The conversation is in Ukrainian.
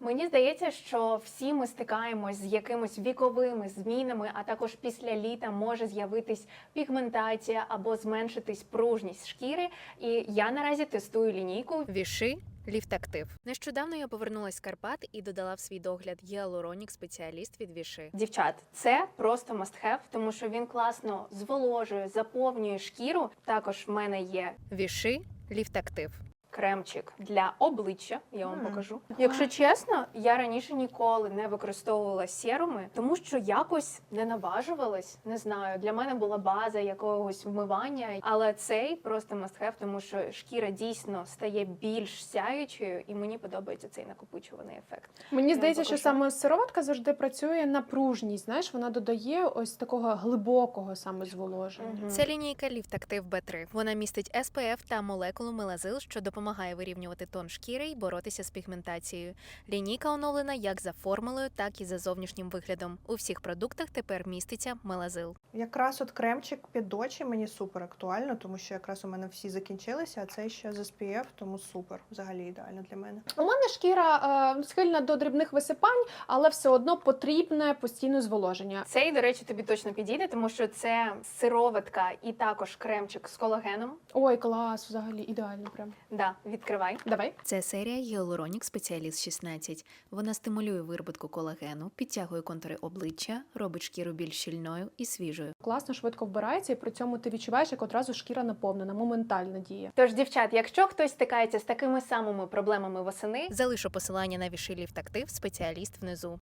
Мені здається, що всі ми стикаємось з якимись віковими змінами, а також після літа може з'явитись пігментація або зменшитись пружність шкіри. І я наразі тестую лінійку Віши Ліфт Актив. Нещодавно я повернулась з Карпат і додала в свій догляд гіалуронік спеціаліст від Віши. Дівчат, це просто must have, тому що він класно зволожує, заповнює шкіру. Також в мене є Віши Ліфт Актив. кремчик для обличчя, я вам покажу. Якщо чесно, я раніше ніколи не використовувала серуми, тому що якось не наважувалась, не знаю, для мене була база якогось вмивання, але цей просто must have, тому що шкіра дійсно стає більш сяючою, і мені подобається цей накопичуваний ефект. Мені здається, покажу. що саме сироватка завжди працює на пружність. Знаєш, вона додає ось такого глибокого саме зволоження. Це лінійка Ліфт Актив B3. Вона містить SPF та молекулу мелазил, що допомагає вирівнювати тон шкіри і боротися з пігментацією. Лінійка оновлена як за формулою, так і за зовнішнім виглядом. У всіх продуктах тепер міститься мелазил. Якраз от кремчик під очі мені супер актуально, тому що якраз у мене всі закінчилися, а цей ще з SPF, тому супер, взагалі ідеально для мене. У мене шкіра схильна до дрібних висипань, але все одно потрібне постійне зволоження. Цей, до речі, тобі точно підійде, тому що це сироватка і також кремчик з колагеном. Ой, клас, взагалі ідеально прям. Да, відкривай. Давай. Це серія Гіалуронік Спеціаліст 16. Вона стимулює вироботку колагену, підтягує контури обличчя, робить шкіру більш щільною і свіжою. Класно, швидко вбирається, і при цьому ти відчуваєш, як одразу шкіра наповнена, моментальна діє. Тож, дівчат, якщо хтось стикається з такими самими проблемами восени, Залишу посилання на Віши Ліфт Актив спеціаліст внизу.